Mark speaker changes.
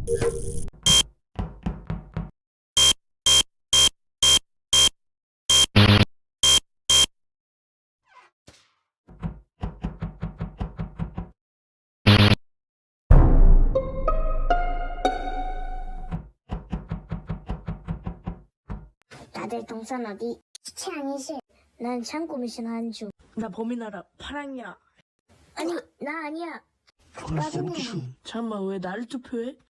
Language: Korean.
Speaker 1: 다들 동선 어디? 최양이실. 난 창고 미션 한주.
Speaker 2: 나 범인알아. 파랑이야.
Speaker 1: 아니, 나 아니야.
Speaker 2: 잠깐만, 왜 나를 투표해?